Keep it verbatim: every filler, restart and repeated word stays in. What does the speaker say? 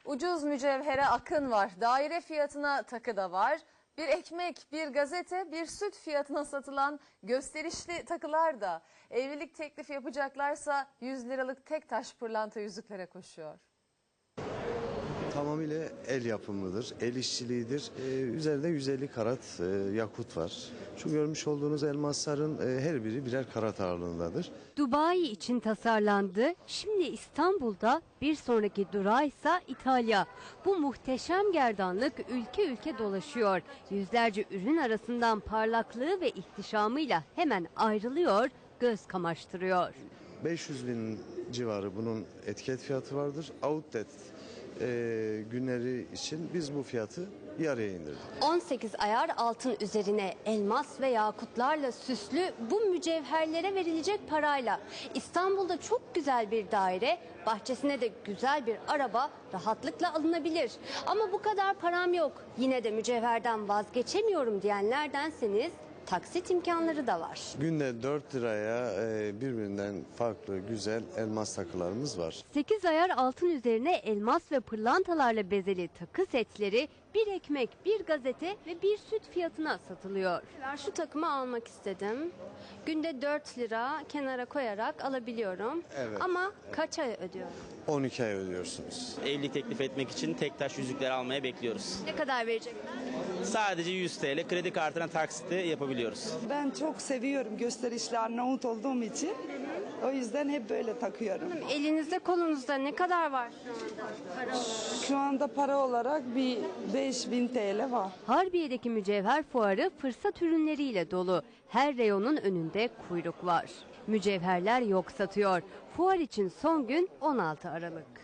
Ucuz mücevhere akın var. Daire fiyatına takı da var. Bir ekmek, bir gazete, bir süt fiyatına satılan gösterişli takılar da. Evlilik teklifi yapacaklarsa yüz liralık tek taş pırlanta yüzüklere koşuyor. Tamamıyla el yapımıdır, el işçiliğidir. Ee, üzerinde yüz elli karat e, yakut var. Şu görmüş olduğunuz elmasların e, her biri birer karat ağırlığındadır. Dubai için tasarlandı. Şimdi İstanbul'da, bir sonraki durağı ise İtalya. Bu muhteşem gerdanlık ülke ülke dolaşıyor. Yüzlerce ürün arasından parlaklığı ve ihtişamıyla hemen ayrılıyor, göz kamaştırıyor. beş yüz bin civarı bunun etiket fiyatı vardır. Outlet e, günleri için biz bu fiyatı yarıya indirdik. on sekiz ayar altın üzerine elmas ve yakutlarla süslü bu mücevherlere verilecek parayla İstanbul'da çok güzel bir daire, bahçesine de güzel bir araba rahatlıkla alınabilir. Ama bu kadar param yok, yine de mücevherden vazgeçemiyorum diyenlerdenseniz taksit imkanları da var. Günde dört liraya e, birbirinden farklı güzel elmas takılarımız var. sekiz ayar altın üzerine elmas ve pırlantalarla bezeli takı setleri bir ekmek, bir gazete ve bir süt fiyatına satılıyor. Şu takımı almak istedim. Günde dört lira kenara koyarak alabiliyorum. Evet. Ama kaç ay ödüyorum? on iki ay ödüyorsunuz. Evlilik teklif etmek için tek taş yüzükleri almaya bekliyoruz. Ne kadar verecekler? Sadece yüz TL kredi kartına taksiti yapabiliyoruz. Ben çok seviyorum gösterişli Arnavut olduğum için. O yüzden hep böyle takıyorum. Elinizde kolunuzda ne kadar var şu anda para olarak? Şu anda para olarak bir beş bin T L var. Harbiye'deki mücevher fuarı fırsat ürünleriyle dolu. Her reyonun önünde kuyruk var. Mücevherler yok satıyor. Fuar için son gün on altı Aralık.